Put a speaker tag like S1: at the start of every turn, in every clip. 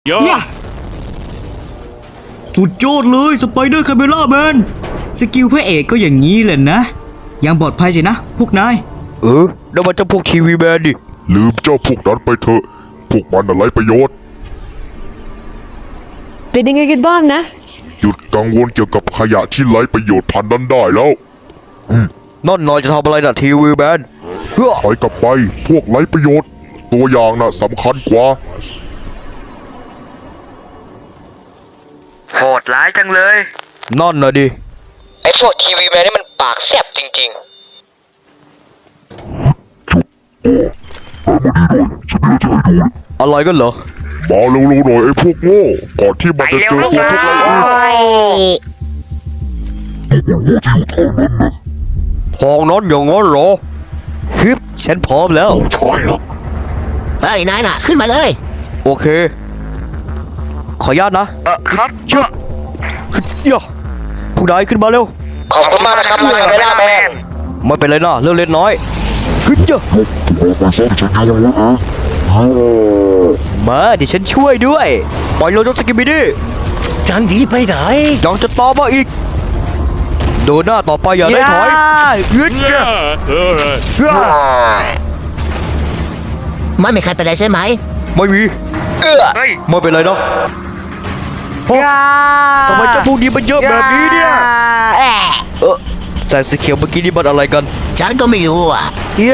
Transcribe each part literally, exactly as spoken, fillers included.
S1: โย
S2: สุดยอดเลยสไปเดอร์คาเมล่าแมนสกิลพระเอกก็อย่างนี้แหละนะยังปลอดภัยสินะพวกนาย
S3: เออแล้วมันจะพวกทีวีแมนดิ
S1: ลืมเจ้าพวกนั้นไปเถอะพวกมันอะไรประโยชน์
S4: เป็นยังไงกันบ้างนะ
S1: หยุดกังวลเกี่ยวกับขยะที่ไร้ประโยชน์พันนั้นได้แล้ว
S3: อืมนั่นนายจะทำอะไรนะทีวีแมน
S1: เฮ้อถอยกลับไปพวกไร้ประโยชน์ตัวอย่างน่ะสำคัญกว่า
S5: โหดร้ายจังเลย
S3: นั่นนะดิ
S5: ไอ้พวกทีวีแมนนี่มันปากแซ่บจริง
S3: ๆอะไรกันเหรอ
S1: มาเร็วๆหน่อยไอ้พวกโง่ก่อนที่มันจะเจอพวกเรา
S3: ทองนั้นอย่างงั้นเหรอฮึบฉันพร้อมแล้ว
S1: ใช่แล้ว
S6: เฮ้ยนายน่ะขึ้นมาเลย
S3: โอเคขออนุญาตนะ
S5: เออครับ
S3: เชื่อเยอะผู้ใดขึ้นมาเร็ว
S5: ขอบคุณมากนะครับมาคาเมล่าแมน
S3: ไม่เป็นไรนะเรื่องเล็กน้อยฮึเยอะมาเดี๋ยวฉันช่วยด้วยปล่อยโลจสกิบิดี้
S6: จันดีไปไหน
S3: ยังจะตอบมาอีกโดนหน้าต่อไปอย่าได้ถอยฮึดเยอะ
S6: ไม่มีใครเป็นไรใช่ไหม
S3: ไม่มี
S5: เออ
S3: ไม่เป็นไรเนาะทำไมเจ้าพวกนี้มันเยอะแบบนี้เนี่ยเออแสงสีเขียวเมื่อกี้นี่มันอะไรกัน
S6: ฉันก็ไม่รู้อ่ะ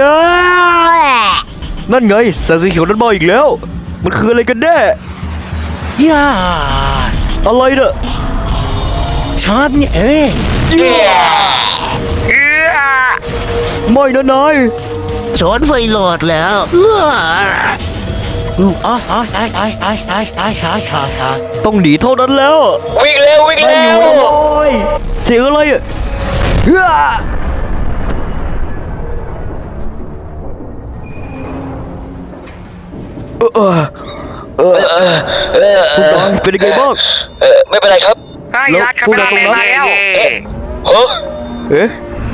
S3: นั่นไงแสงสีเขียวนั้นมาอีกแล้วมันคืออะไรกันแน่
S6: ย่า
S3: อะไรเด้อ
S6: ฉันเอง
S3: ไม่นะนาย
S6: ชนไฟหลอดแล้วอู้อ๋ออ๋อไอ้ไอ้ไอ้ไอ้ไอ้ไอ้ไอ้
S3: ต้องหนีเท่านั้นแล้ว
S5: วิ่งเร็ววิ่งเร็ว
S3: เสียงอะไรอ่ะเออเออเออเออคุณตอนเป็นยังไงบ้าง
S5: เออไม่เป็นไรครับ
S3: แล้วพวกเราตรงนั้น
S5: เอ๊ะเฮ้
S3: เอ๊ะ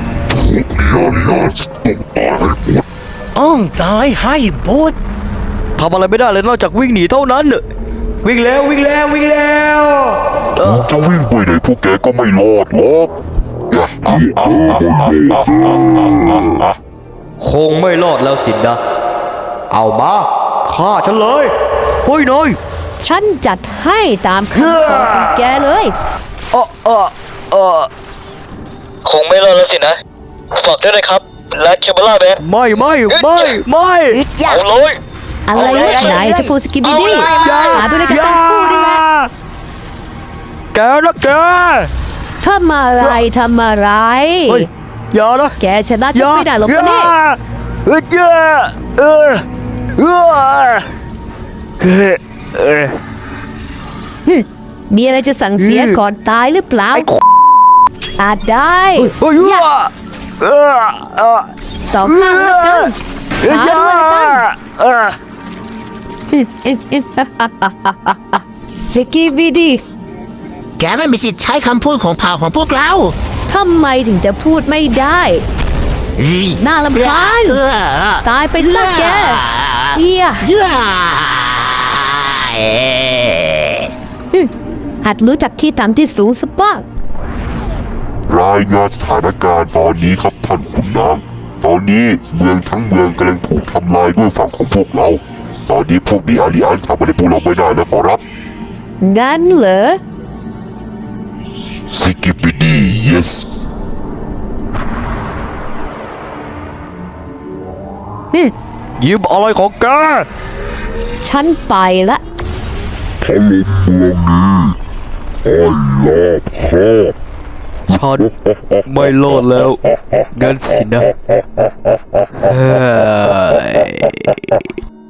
S6: อ้องตายให้บด
S3: ทำอะไรไม่ได้เลยนอกจากวิ่งหนีเท่านั้นวิ่งแล้ววิ่งแล้ววิ่งแล้ว
S1: จะวิ่งไปไหนพวกแกก็ไม่รอดหรอก
S3: คงไม่รอดแล้วสินะเอามาฆ่าฉันเลยเฮ้ยนาย
S4: ฉันจัดให้ตามคำขอของแกเลย
S3: เออเออเออ
S5: คงไม่รอดแล้วสินะฝากด้วยนะครับและคาเมล่าแมน
S3: ไม่ไม่ไม่ไม่
S5: เอาเลย
S4: อะไรเนี่ยนายจะพูดสกิบิดี้หาตัวในกระตันพูดนี่แหละ
S3: แกนะแก
S4: ทำอะไรทำอะไร
S3: อย่านะ
S4: แกชนะฉันไม่ได้หรอกนะนี่
S3: เออเออเออเออ
S4: มีอะไรจะสั่งเสียก่อนตายหรือเปล่าอาจได้
S3: อย่าเออเออ
S4: สองข้างแล้วกันหาด้วยกันสกิบิดี้
S6: แกไม่มีสิทธิ์ใช้คำพูดของเผ่าของพวกเรา
S4: ทำไมถึงจะพูดไม่ได้น่ารำคาญตายไปซะแกเฮียหัดรู้จักที่ต่ำที่สูงสักบ้าง
S1: รายงานสถานการณ์ตอนนี้ครับท่านขุนนางตอนนี้เมืองทั้งเมืองกำลังถูกทำลายด้วยฝั่งของพวกเราตอนนี้พวกนี้อาลีอันทำอะไรพวกเราไม่ได้แล้วขอรับ
S4: งั้นเหรอ
S1: สกิปปี้ดี yes
S3: ยิ้มอะไรของแก
S4: ฉันไปละ
S1: ถล่มเมืองนี้ให้ลาบคาบ
S3: ฉันไม่รอดแล้วงั้นสินะเฮ้ย